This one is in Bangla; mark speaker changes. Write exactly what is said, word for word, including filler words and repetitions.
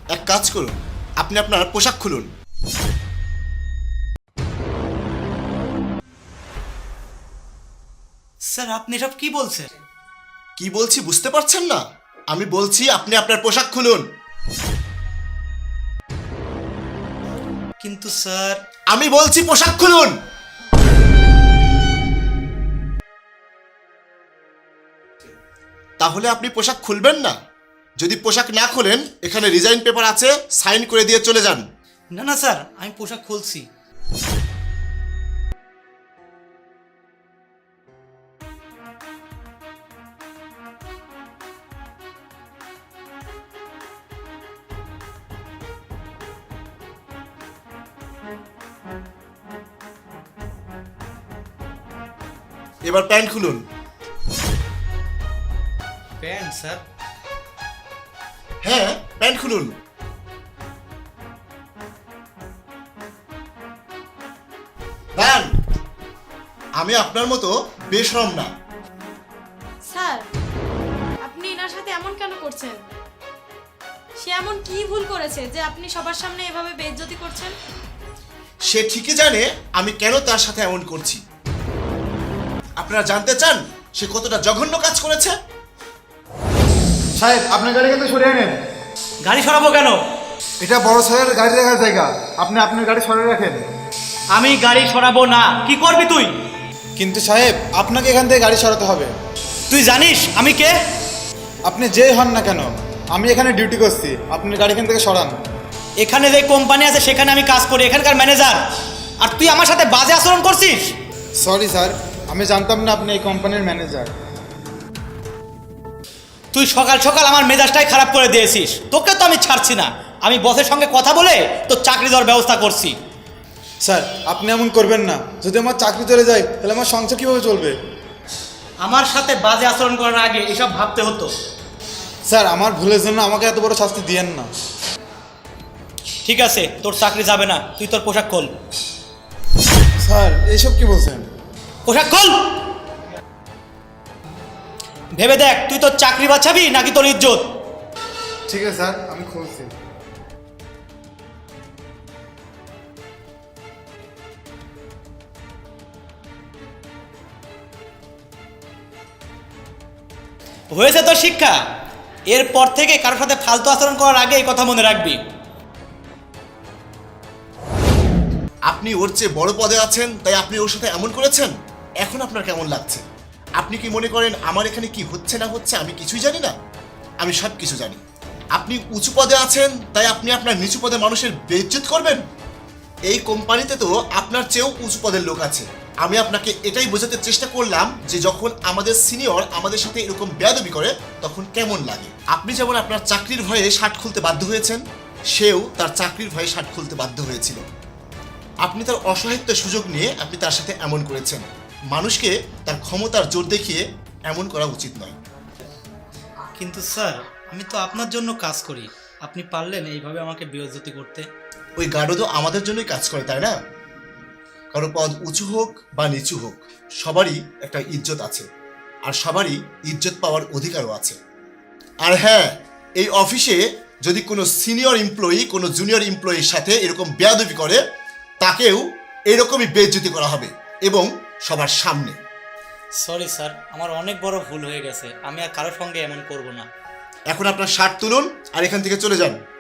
Speaker 1: এক কাজ করুন, আপনি আপনার পোশাক খুলুন।
Speaker 2: স্যার আপনি সব কি বলছেন?
Speaker 1: কি বলছি বুঝতে পারছেন না? আমি বলছি আপনি আপনার পোশাক খুলুন।
Speaker 2: কিন্তু স্যার,
Speaker 1: আমি বলছি পোশাক খুলুন। তাহলে আপনি পোশাক খুলবেন না? যদি পোশাক না খোলেন, এখানে রিজাইন পেপার আছে, সাইন করে দিয়ে চলে যান।
Speaker 2: না না স্যার, আমি পোশাক খুলছি।
Speaker 1: এবার প্যান্ট খুলুন।
Speaker 2: Pant sir?
Speaker 1: হ্যাঁ, প্যান্ট খুলুন। দাঁড়ান, আমি আপনার মতো বেশরম না।
Speaker 3: স্যার, আপনি এনার সাথে এমন কেন করছেন? সে এমন কি ভুল করেছে যে আপনি সবার সামনে এভাবে বেইজ্জতি করছেন?
Speaker 1: সে ঠিকই জানে আমি কেন তার সাথে এমন করছি। আপনারা জানতে চান সে কতটা জঘন্য কাজ করেছে?
Speaker 4: সাহেব, আপনার গাড়ি কিন্তু সরিয়ে নেন।
Speaker 2: গাড়ি সরাবো কেন?
Speaker 4: এটা বড় সাহেবের গাড়ি রাখার জায়গা, আপনি আপনার গাড়ি সরিয়ে রাখেন।
Speaker 2: আমি গাড়ি সরাবো না। কি করবি তুই?
Speaker 4: কিন্তু সাহেব, আপনাকে এখান থেকে গাড়ি সরাতে হবে।
Speaker 2: তুই জানিস আমি কে?
Speaker 4: আপনি যেই হন না কেন, আমি এখানে ডিউটি করছি, আপনি গাড়ি এখান থেকে সরান।
Speaker 2: এখানে যে কোম্পানি আছে সেখানে আমি কাজ করি, এখানকার ম্যানেজার। আর তুই আমার সাথে বাজে আচরণ করছিস?
Speaker 4: সরি স্যার, আমি জানতাম না আপনি এই কোম্পানির ম্যানেজার।
Speaker 2: তুই সকাল সকাল আমার মেজাজটাই খারাপ করে দিয়েছিস। তোকে তো আমি ছাড়ছি না। আমি বসের সঙ্গে কথা বলে তোর চাকরি দেওয়ার ব্যবস্থা করছি।
Speaker 4: স্যার, আপনি এমন করবেন না। যদি আমার চাকরি চলে যায় তাহলে আমার সংসার কীভাবে চলবে?
Speaker 2: আমার সাথে বাজে আচরণ করার আগে এসব ভাবতে হতো।
Speaker 4: স্যার, আমার ভুলের জন্য আমাকে এত বড় শাস্তি দিয়েন না।
Speaker 2: ঠিক আছে, তোর চাকরি যাবে না। তুই তোর পোশাক খোল।
Speaker 4: স্যার, এইসব কি বলছেন?
Speaker 2: পোশাক খোল। ভেবে দেখ, তুই তোর চাকরি বাঁচাবি নাকি তোর ইজ্জত।
Speaker 4: ঠিক আছে স্যার, আমি খুলছি।
Speaker 2: হয়েছে তোর শিক্ষা। এরপর থেকে কারোর সাথে ফালতু আচরণ করার আগে এই কথা মনে রাখবি।
Speaker 1: আপনি ওর চেয়ে বড় পদে আছেন, তাই আপনি ওর সাথে এমন করেছেন। এখন আপনার কেমন লাগছে? আপনি কি মনে করেন আমার এখানে কি হচ্ছে না হচ্ছে আমি কিছুই জানি না? আমি সব কিছু জানি। আপনি উঁচু পদে আছেন, তাই আপনি আপনার নিচু পদে মানুষের বেইজ্জত করবেন? এই কোম্পানিতে তো আপনার চেয়েও উঁচু পদের লোক আছে। আমি আপনাকে এটাই বোঝাতে চেষ্টা করলাম যে যখন আমাদের সিনিয়র আমাদের সাথে এরকম বেয়াদবি করে তখন কেমন লাগে। আপনি যেমন আপনার চাকরির ভয়ে শার্ট খুলতে বাধ্য হয়েছেন, সেও তার চাকরির ভয়ে শার্ট খুলতে বাধ্য হয়েছিল। আপনি তার অসহায়ত্বের সুযোগ নিয়ে আপনি তার সাথে এমন করেছেন। মানুষকে তার ক্ষমতার জোর দেখিয়ে এমন করা উচিত নয়।
Speaker 2: কিন্তু স্যার, আমি তো আপনার জন্য কাজ করি। আপনি পারলেন এইভাবে আমাকে বেইজ্জতি করতে?
Speaker 1: ওই গার্ডও তো আমাদের জন্যই কাজ করে, তাই না? কারো পদ উঁচু হোক বা নিচু হোক, সবারই একটা ইজ্জত আছে, আর সবারই ইজ্জত পাওয়ার অধিকারও আছে। আর হ্যাঁ, এই অফিসে যদি কোনো সিনিয়র এমপ্লয়ি কোনো জুনিয়র এমপ্লয়ির সাথে এরকম বেয়াদবি করে, তাকেও এরকমই বেইজ্জতি করা হবে, এবং সবার সামনে।
Speaker 2: সরি স্যার, আমার অনেক বড় ভুল হয়ে গেছে। আমি আর কারোর সঙ্গে এমন করব না।
Speaker 1: এখন আপনার শার্ট তুলুন আর এখান থেকে চলে যান।